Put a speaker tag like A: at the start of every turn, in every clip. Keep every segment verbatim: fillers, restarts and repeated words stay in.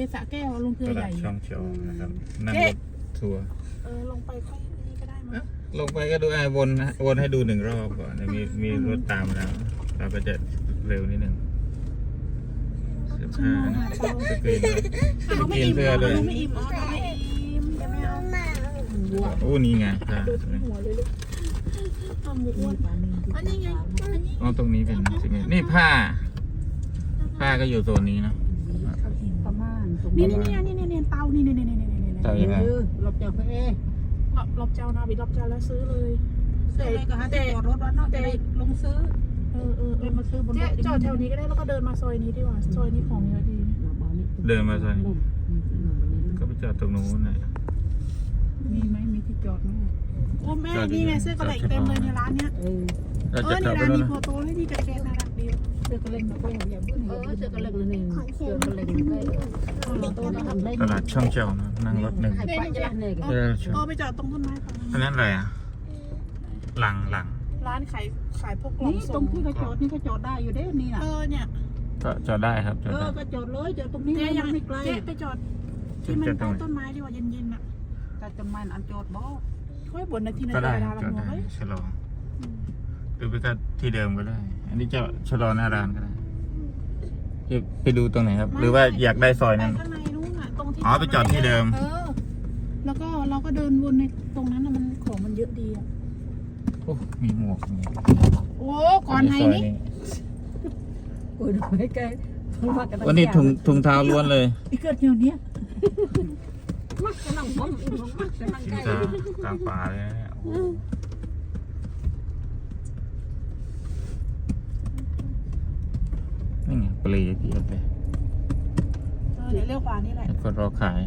A: สระแก้วลงเกลื
B: ต
A: อให
B: ลา
A: ญ่
B: ดช่องเขียวนะครับนั่งรถทัวร์
A: เออลงไปค่อยนี่ก็ได้มั้ง
B: ลงไปก็ดูไอ้วนนะวนให้ดูหนึ่งรอบก่อนเดี๋ยวมีมีรถตามมาแล้วเราก็จะเร็วนิดหนึ่งเสื้อผ้านะสกรีนด้วยสกรีนเสื้อด้วย
A: ไม่อิ่มอ๋อไม่อิ่มยังไม่เอา
B: โอ้นี่ไงผ้า
A: ดูทั้งหัวเลยลูกทำหมูอ้วนอันนี้ไงอันนี้
B: อ๋อตรงนี้เป็นสิ่งนี้นี่ผ้า ผ้าก็อยู่โซนนี้เนาะ
C: ประมาณ
A: นี่นี่นี่นี่นี่เตานี่นี่นี่นี่นี่นี่
B: เจ้ายังไง
C: เราจะไปเอ
A: รอบรอบเจ้านาบิรอบเจ้าแล้วซื้อเลย
C: ซื้อเลยก็หาที่จอดรถวัดเนาะจะได้ลงซื้อ
A: เออเออเอ
C: เลย
A: อ
C: มาซื้อบนร
A: เจ๊
C: ถ
A: จอดแถวนี้ก็ได้แล้วก็เดินมาซอยนี้ดีกว่าซอยนี้ของเยอะดี
B: เดินมาซอยก็ไปจอดตรงนู้นน่ะ
C: มีไหมมีที่จอดไหม
A: โอ้แม่นี่ไงเสื้อกระเหล่เต็มเลยในร้านเนี้ย
C: เออ
A: เอ
B: เรา
A: อ
B: จะ
A: ใน
B: กลับไป
A: ร้าน
B: แล้ว
A: มี
B: นะ
A: โฟโต้ให้ดีกับแกน่ารักดี
C: เสื้อกระเล็งก็อย่างอย่างเออเสื้อกระเล็งเลยนี่เสื้อกระเล็งได้ตัวทำได้
B: ตลาดช่องเขียวนะนั่งรถหนึ่ง
C: ให้ไปจะเนี่ย
B: เออ
A: เออไปจอดตรงต้นไม้ฝั่ง
B: อั
A: นั้น
B: นนั้นอะไรอ่ะ หลังหลัง
A: ร้านขายขายพวกกล่อง
C: นี่ตร
A: ส่
C: ง
A: ง
C: ที่เขาจอดนี่ก็จอดได้อยู่เด้นี่น่ะ
A: เออเนี่ย
B: ก็จอดได้ครับจอด
C: เอ
B: ได้
C: อก็จอดเลยจอดตรงนี้
A: เจ๊ยัง
C: ไม่ไกล
A: เจ๊ไปจอดที่มันใต้ต้นไม้ดีกว่าเย็นๆอ่ะ
C: แต่ต้นไม้อันจอดบ่
A: ค่อยบ่นนาทีนา
B: ก็
A: ที
B: ได้
A: เวลา
B: จอ
A: ละ
B: ด
A: หัว
B: ได้
A: เฮ้ย
B: ชะลอหรือไปก็ที่เดิมก็ได้ อันนี้จะชะลอหน้าร้านก็ได้จะไปดูตรงไหนครับ หรือว่าอยากได้ซอย
A: ไป
B: นั้น
A: ข้างในนู้นอ่ะตรงที่
B: อ๋อไปจอดที่เดิม
A: เออแล้วก็เราก็เดินวนในตรงนั้นน่ะมันของมันเยอะดีอ่ะ
B: โอ้มีหมวกมี
A: โอ้ก่อนไหนนี่
C: โอ้ยไม่ไกล
B: วันนี้ถุงถุงเท้าล้วนเลย
A: อีเกิดอยู่เนี้ย
C: มักจะนั่งพร้อมอีกมักจะนั่ง
B: ถุ
C: ใก
B: ง
C: ล้
B: เท้ากลางป่าเลยนะเนี่ยโอ้นี่ไงเปลีเพียบเลย
A: เออเดี๋ยวเลี้ยวขวานี่แหละ
B: แล้วก็รอขาย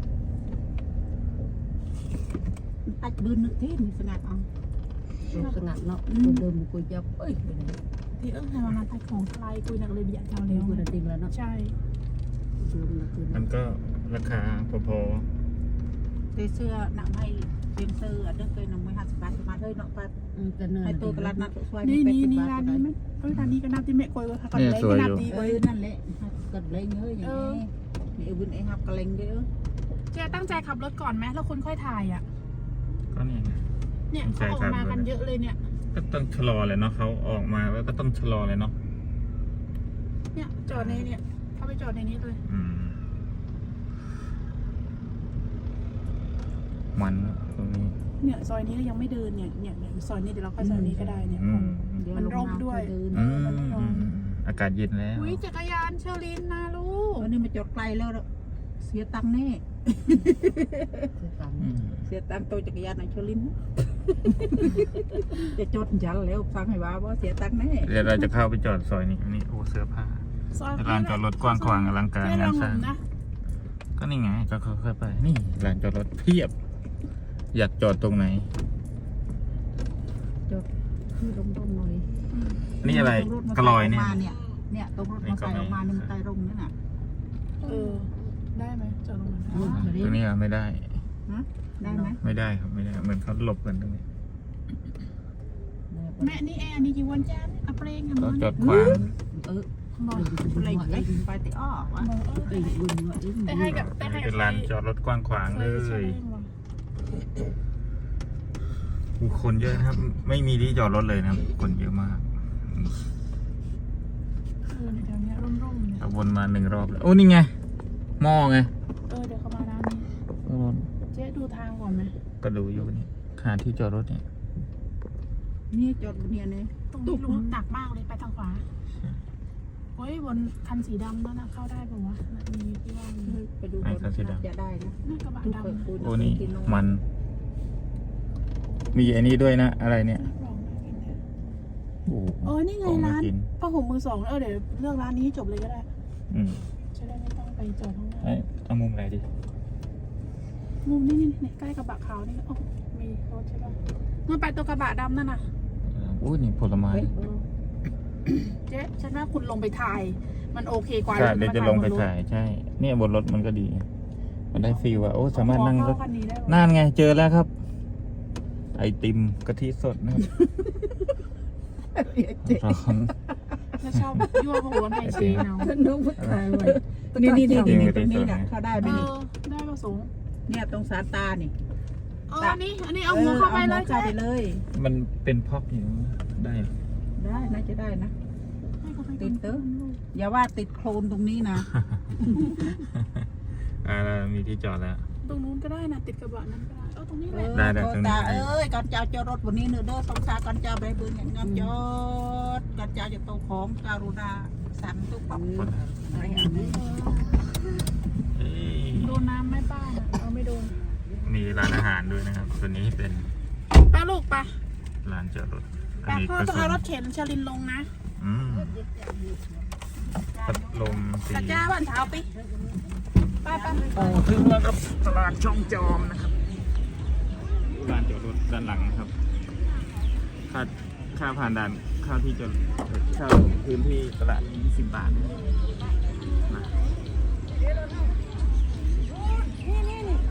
C: ตัดบืนนึกที่มีสงัดเอาสงัดเนาะเดิมกุยจับเอ้ย
A: ที่เอิ้งให้มามาตัดของทลายกุยนักเลยเบียดเจ้าเลี้ยว
C: กุยติงแล้วเนาะ
A: ใช่
B: มันก็ราคาพอ
C: เสื้อหนังให้เตรียมเสื้อเด็กเคยนำไว้ห้าสิบบาทมาเลยเนาะป้าให้ตัวตลาดนัดสวย
A: นี่นี่นี่ร้านนี้ไหมเอ้ยร้านนี้ก็นับที่แม่กวยว่าค่ะก่อนเลยก็นับดี
C: เอ้
A: เว้
C: ย
A: ย
C: นั่นแหละกันเลยเงยอย่างนี้มีอุบิเหตุครับกระเลงเยอะ
A: เจ๊ตั้งใจขับรถก่อนไหมแล้วคุณค่อยถ่ายอ่ะ
B: ๆก็นี่ไง
A: เนี่ยเขาออกมากันเยอะเลยเนี่ย
B: ก็ต้องชะลอเลยเนาะเขาออกมาแล้วก็ต้องชะลอเลยเนาะ
A: เนี่ยจอดในเนี่ยเขาไปจอดในนี้เลย
B: อืมมันตรงนี้
A: เนี่ยซอยนี้ก็ยังไม่เดินเนี่ยเนี่ยเนี่ยซอยนี้เดี๋ยวเราค่อยซอยนี้ก็ได้เนี่ย
B: อืม
A: มันร่มด้วย
B: อืมอืมอากาศเย็นแล้ว
A: อุ้ยจักรยานเชอรินนะลูก
C: วันนี้มาจอดไกลแล้วเสียตังค์แน่
B: อืม
C: เสียตังค์ตัวจักรยานในชลินจะจดจันแล้วฟังให้ว่าว่าเสียตังค์แน่
B: เดี๋ยวเราจะเข้าไปจอดซอยนี้อันนี้โอ้เสื้อผ้า
A: ซอย
B: ลานจอดรถกว้างขวางอลังการ
A: เจ๊ล
B: งา
A: อน งห
B: สร้าง
A: นะ
B: ก็นี่ไงก็ค่อยๆไป นี่ลานจอดรถเพียบ อยากจอดตรงไหน
C: จดคือลงตรงหน่อย
B: นี่อะไรกระลอยเนี่ย
C: เนี่ยเนี่ยตรงรถมาใส่ออกมาเนี่ยมันใต้ร่มนั่นน่ะ
A: เออได้ไหมจอดตรงนั้น
C: อืม
B: ตรงนี้ไม่ได้
C: ได้ไหม
B: ไม่ได้ครับไม่ได้เหมือนเขาหลบกันตรงนี้
A: แม่นี่แอร์นี่จีวันจ้าอัปเรงกัน
B: ก็
A: มั้ง
B: จอดขวาง
C: เออ
A: บอก
C: อะไรไปไปติอ้อวะไปบุญวะ
A: แต่ให้กับแต่ให้
B: เป็นลานจอดรถกว้างขวางเลยผู้คนเยอะนะครับ ไม่มีที่จอดรถเลยนะครับ คนเยอะมาก
A: เออในแถวนี้ร่มๆเนี่ย
B: เอาวนมาหนึ่งรอบแล้วโอ้นี่ไงหม้อไง
A: เออเดี๋ยวเขามาร้านนี้เจ๊ดูทางก่อนไหม
B: ก็ดูอยู่นี่หาที่จอดรถเนี่ย
C: นี่จอดบนเนี่ยเนี่ย
A: ตรงนี้ลุงหนักมากเลยไปทางขวาเฮ้ยบนคันสีดำนั่นนะเข้าได้ป่าวะมีที่ว่าง
C: ไปดูจะได้นะ
A: น่ากระบะดำ
B: โอ้นี่มัน มีอันนี้ด้วยนะอะไรเนี่ย
A: ลองมากินเนี่ย
B: โอ้
A: เออนี่ไง
B: ของ
A: ร้าน
B: กิน
A: ผ้าห่มมือสองเออเดี๋ยวเลือกร้านนี้ให้จบเลยก็ได้
B: อืม
A: จะได้ไม่ต้องไปจอดข้างหน้า
B: เอ้ยเอามุมไหนดี
A: มุมนี่นี่นี่ใกล้กระบะขาวนี่โอ้มีรถใช่ป่ะนู่นไปตัวกระบะดำนั่นน่ะ
B: โอ้ยนี่ผลไม้
A: เจ๊ฉันว่าคุณลงไปถ่าย มันโอเคกว่า
B: ใช่เดี๋ยวจะลงไปถ่ายใช่ เนี่ยบนรถมันก็ดี มันได้ฟีลว่าโอ้สามารถนั่งรถ
A: คันนี้ได้
B: นั่นไงเจอแล้วครับ ไอติมกะทิสดนะครับร้อน
A: ถ้าชอบยั่วหัวในเชเนาะ
C: น้องผู้ชายไว้นี่นี่นี่
B: นี่
C: นี่
B: นี่
C: ตรงนี้น่ะเข้าได้ไหม
A: เอ
C: นี่
A: อได้ประสงค์
C: เนี่ยตรงสารตานี่
A: เอออันนี้อันนี้เอาหัวเข้าไปเลย
C: เข้าไปเลย
B: มันเป็นพอกอยู่ได้เหรอ
C: ได้น่าจะได้นะ
A: ให้เขาไป
C: ติดเตอะอย่าว่าติดโคลนตรงนี้นะ
B: อ่าเรามีที่จอดแล้ว
A: ตรงนู้นก็ได้นะติดกระบะนั้นก็ได้เออตรงนี้แห
C: เอ
A: ละ
C: อ
B: ได้ได้
C: โท
B: ตรงนี้
C: ตาเอ้ยก่อนเจ้าจอดรถวันนี้เนอะเด้อสงสารก่อนเจ้าไปเบิ่งอย่างงานจอดก่อนเจ้าจะโตของการุณาสั่งทุกปับอะไรอันนี้
B: เอ้ย
A: โดนน้ำไหม่ป้าน่ะเอาไม่โดน
B: มีร้านอาหารด้วยนะครับตัวนี้เป็น
A: ป้าลูกปะ
B: ร้านจอดรถอัน
A: ป้า
B: นี้
A: พ่อ
B: ก็
A: ต้อง
B: ส่ว
A: เอา
B: น
A: รถเข็นชลินลงนะ
B: อืมพัดลมสี
A: กระจ้าบ้านเท้าปิป้าป้า
B: โอ้ถึงแล้วครับตลาดช่องจอมนะครับร้านจอดรถด้านหลังนะครับค่าค่าผ่านด่านค่าที่จอดเช่าพื้นที่ตลาดยี่สิบบาทนะ